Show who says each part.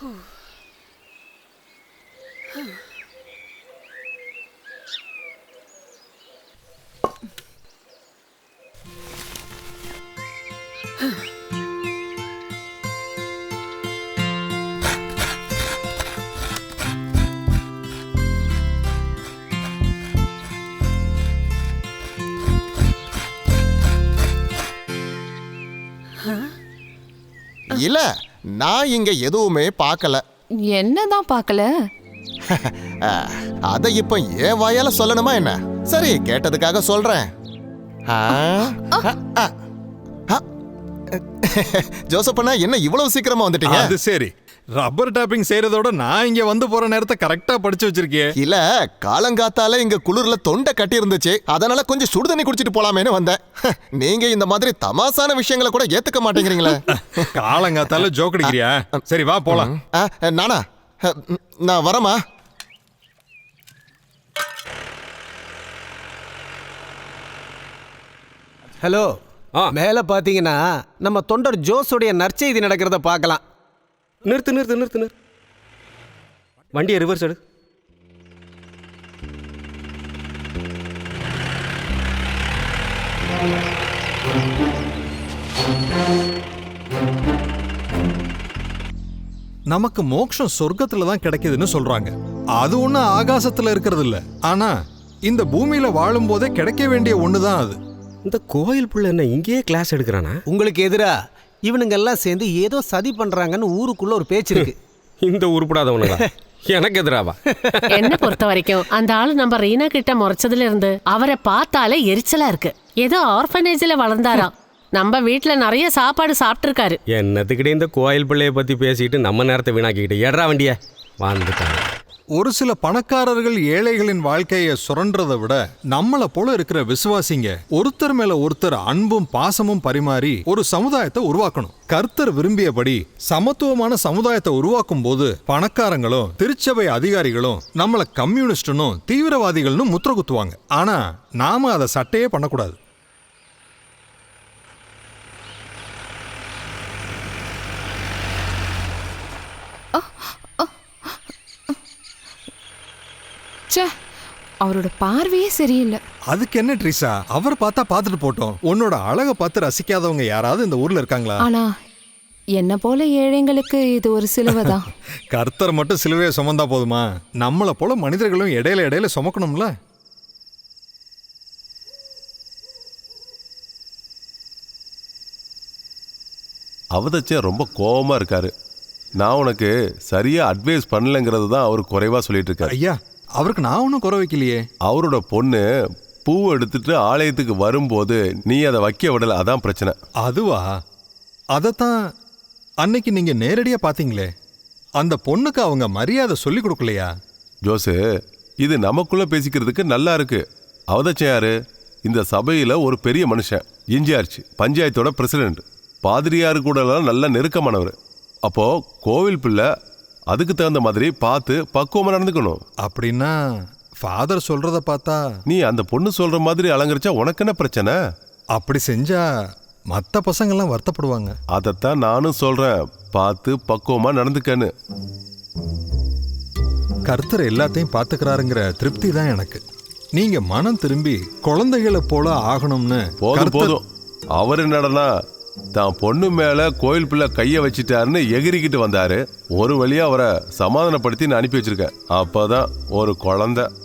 Speaker 1: இல்ல, நான் இங்க எதுவுமே பார்க்கல.
Speaker 2: என்னதான் பார்க்கல?
Speaker 1: அத இப்ப என் வாயால சொல்லணுமா என்ன? சரி, கேட்டதுக்காக சொல்றேன். ஜோசப்பண்ணா, என்ன இவ்வளவு சீக்கிரமா வந்துட்டீங்க?
Speaker 3: அது சரி, ரப்பர் டாப்பிங் செய்யறதோட நான் இங்க வந்து போற நேரத்தை கரெக்டா படிச்சு வச்சிருக்கேன்.
Speaker 1: இல்ல, காலங்காத்தால இங்க குளிர்ல தொண்டை கட்டி இருந்துச்சு, அதனால கொஞ்சம் சுடுதண்ணி குடிச்சிட்டு போலாமேன்னு வந்தேன். நீங்க இந்த மாதிரி தமாசான விஷயங்களை கூட ஏத்துக்க மாட்டேங்கிறீங்களே.
Speaker 3: காலங்காத்தால ஜோக் அடிக்கிறியா? சரி வா போலாம்.
Speaker 1: நானா? நான் வரமா?
Speaker 4: ஹலோ, மேல பாத்தீங்கன்னா நம்ம தொண்டர் ஜோஸுடைய நற்செய்தி நடக்கிறத பார்க்கலாம்.
Speaker 5: நிறுத்து. வண்டியை ரிவர்ஸ் எடு.
Speaker 3: நமக்கு மோட்சம் சொர்க்கத்துல தான் கிடைக்குதுன்னு சொல்றாங்க. அது ஒண்ணு ஆகாசத்துல இருக்கிறது இல்ல. ஆனா இந்த பூமியில வாழும் போதே கிடைக்க வேண்டிய ஒண்ணுதான் அது.
Speaker 5: இந்த கோயில் புள்ள என்ன இங்கேயே கிளாஸ் எடுக்கிறானா?
Speaker 4: உங்களுக்கு எதிரா இவனுங்க எல்லாம் சேர்ந்து ஏதோ சதி பண்றாங்கன்னு ஊருக்குள்ள ஒரு பேச்சு இருக்கு.
Speaker 5: இந்த உருப்படாதவனுங்க எனக்கு எதிராவா?
Speaker 6: என்ன பொறுத்த வரைக்கும் அந்த ஆளு நம்ம ரீனா கிட்ட முறைச்சதுல இருந்து அவரை பார்த்தாலே எரிச்சலா இருக்கு. ஏதோ ஆர்ஃபனேஜ்ல வளர்ந்தாராம். நம்ம வீட்டுல நிறைய சாப்பாடு சாப்பிட்டு இருக்காரு.
Speaker 5: என்னத்துக்கிட்டே இந்த கோயில் பிள்ளைய பத்தி பேசிட்டு நம்ம நேரத்தை வீணாக்கிக்கிட்டு ஏறா வண்டிய வந்துட்டாங்க.
Speaker 3: ஒரு சில பணக்காரர்கள் ஏழைகளின் வாழ்க்கையை சுரன்றதை விட நம்மளை போல இருக்கிற விசுவாசிங்க ஒருத்தர் மேல ஒருத்தர் அன்பும் பாசமும் பரிமாறி ஒரு சமுதாயத்தை உருவாக்கணும். கர்த்தர் விரும்பியபடி சமத்துவமான சமுதாயத்தை உருவாக்கும் போது பணக்காரங்களும் திருச்சபை அதிகாரிகளும் நம்மள கம்யூனிஸ்டனும் தீவிரவாதிகள்னு முத்திர குத்துவாங்க. ஆனா நாம அதை சட்டையே பண்ணக்கூடாது.
Speaker 2: அவரோட பார்வையே சரியில்லை.
Speaker 3: அதுக்கு என்ன ட்ரீசா, அவர் பார்த்தா பார்த்துட்டு போட்டோம். உன்னோட அழகை பார்த்து ரசிக்காதவங்க யாராவது இந்த ஊர்ல இருக்காங்களா?
Speaker 2: ஆனா என்ன போல ஏழைங்களுக்கு இது ஒரு சிலுவைதான்.
Speaker 3: கர்த்தர் மட்டும் சிலுவையை சுமந்தா போதுமா? நம்மளை போல மனிதர்களும் இடையில சுமக்கணும்ல.
Speaker 7: அவதச்சன் ரொம்ப கோபமா இருக்காரு. நான் உனக்கு சரியா அட்வைஸ் பண்ணலங்கிறது தான் அவர் குறைவா சொல்லிட்டு இருக்காரு.
Speaker 3: ஐயா, அவருக்கு நான் ஒன்றும் குறை வைக்கலையே.
Speaker 7: அவரோட பொண்ணு பூ எடுத்துட்டு ஆலயத்துக்கு வரும்போது நீ அதை வைக்க விடல, அதான் பிரச்சனை.
Speaker 3: அதுவா? அதைத்தான் அன்னைக்கு நீங்க நேரடியா பாத்தீங்களே. அந்த பொண்ணுக்கு அவங்க மரியாதை சொல்லி கொடுக்கலையா?
Speaker 7: ஜோசு, இது நமக்குள்ள பேசிக்கிறதுக்கு நல்லா இருக்கு. அவதச்சன் யாரு? இந்த சபையில ஒரு பெரிய மனுஷன், இன்சார்ஜ், பஞ்சாயத்தோட பிரசிடென்ட், பாதிரியாரு கூட நல்ல நெருக்கமானவர். அப்போ கோவில் பிள்ளை அதுக்கு தகுந்த மாதிரி பார்த்து பக்குவமா நடந்துக்கணும்.
Speaker 3: அப்படின்னா ஃபாதர் சொல்றத பார்த்தா
Speaker 7: நீ அந்த பொண்ணு சொல்ற மாதிரி அலங்கரிச்சா உனக்கு என்ன பிரச்சனை?
Speaker 3: அப்படி செஞ்சா மற்ற பசங்கள்லாம் வருத்தப்படுவாங்க.
Speaker 7: அதைத்தான் நானும் சொல்றேன், பார்த்து பக்குவமா நடந்துக்கன்னு.
Speaker 3: கர்த்தர் எல்லாத்தையும் பார்த்துக்கிறாருங்கிற திருப்தி தான் எனக்கு. நீங்க மனம் திரும்பி குழந்தைகளை போல ஆகணும்னு.
Speaker 7: போதும். அவர் என்னடனா தான் பொண்ணு மேல கோயில் பிள்ளை கைய வச்சிட்டாருன்னு எகிரிக்கிட்டு வந்தாரு. ஒரு வழியா அவரை சமாதானப்படுத்தி நான் அனுப்பி வச்சிருக்கேன். அப்பதான் ஒரு குழந்தை